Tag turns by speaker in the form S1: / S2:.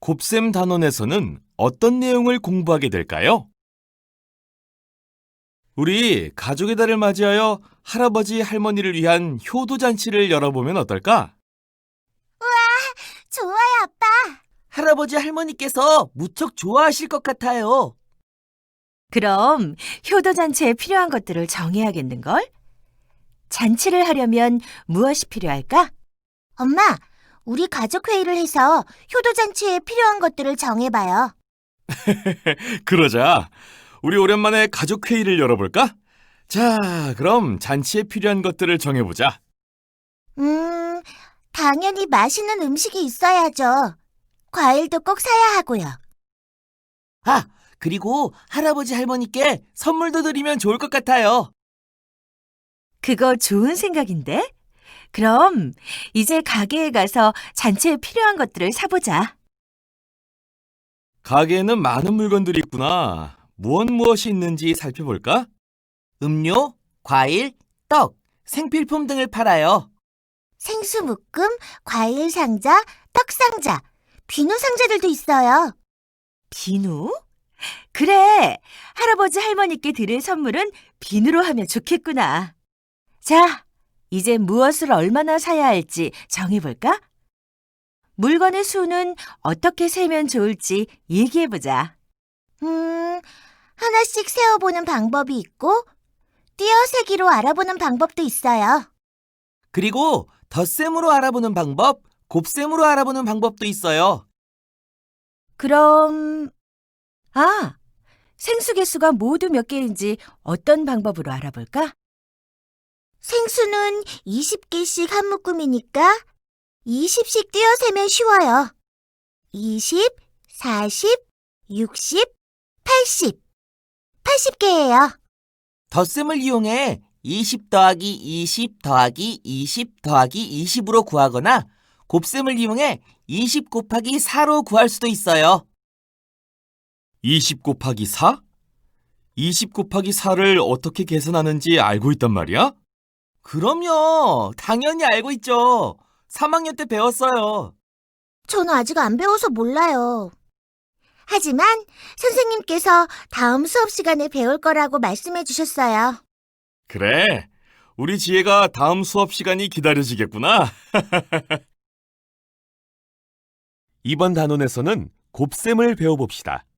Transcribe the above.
S1: 곱셈 단원에서는 어떤 내용을 공부하게 될까요? 우리 가족의 달을 맞이하여 할아버지, 할머니를 위한 효도잔치를 열어보면 어떨까?
S2: 좋아요, 아빠. 할아버지, 할머니께서 무척 좋아하실 것 같아요.
S3: 그럼 효도잔치에 필요한 것들을 정해야겠는걸? 잔치를 하려면 무엇이 필요할까?
S2: 엄마, 우리 가족 회의를 해서 효도잔치에 필요한 것들을 정해봐요.
S1: 그러자. 우리 오랜만에 가족 회의를 열어볼까? 자, 그럼 잔치에 필요한 것들을 정해보자.
S2: 당연히 맛있는 음식이 있어야죠. 과일도 꼭 사야 하고요. 아, 그리고 할아버지, 할머니께 선물도 드리면 좋을 것 같아요.
S3: 그거 좋은 생각인데? 그럼 이제 가게에 가서 잔치에 필요한 것들을 사보자.
S1: 가게에는 많은 물건들이 있구나. 무엇이 있는지 살펴볼까?
S2: 음료, 과일, 떡, 생필품 등을 팔아요. 생수 묶음, 과일 상자, 떡 상자, 비누 상자들도 있어요.
S3: 비누? 그래, 할아버지 할머니께 드릴 선물은 비누로 하면 좋겠구나. 자, 이제 무엇을 얼마나 사야 할지 정해볼까? 물건의 수는 어떻게 세면 좋을지 얘기해보자.
S2: 하나씩 세어보는 방법이 있고, 띄어세기로 알아보는 방법도 있어요. 그리고 덧셈으로 알아보는 방법, 곱셈으로 알아보는 방법도 있어요.
S3: 그럼, 생수 개수가 모두 몇 개인지 어떤 방법으로 알아볼까?
S2: 생수는 20개씩 한 묶음이니까 20씩 띄어세면 쉬워요. 20, 40, 60, 80. 80개예요. 덧셈을 이용해 20 더하기 20 더하기 20 더하기 20으로 구하거나 곱셈을 이용해 20 곱하기 4로 구할 수도 있어요.
S1: 20 곱하기 4? 20 곱하기 4를 어떻게 계산하는지 알고 있단 말이야?
S2: 그럼요. 당연히 알고 있죠. 3학년 때 배웠어요. 저는 아직 안 배워서 몰라요. 하지만 선생님께서 다음 수업 시간에 배울 거라고 말씀해 주셨어요.
S1: 그래. 우리 지혜가 다음 수업 시간이 기다려지겠구나. 이번 단원에서는 곱셈을 배워봅시다.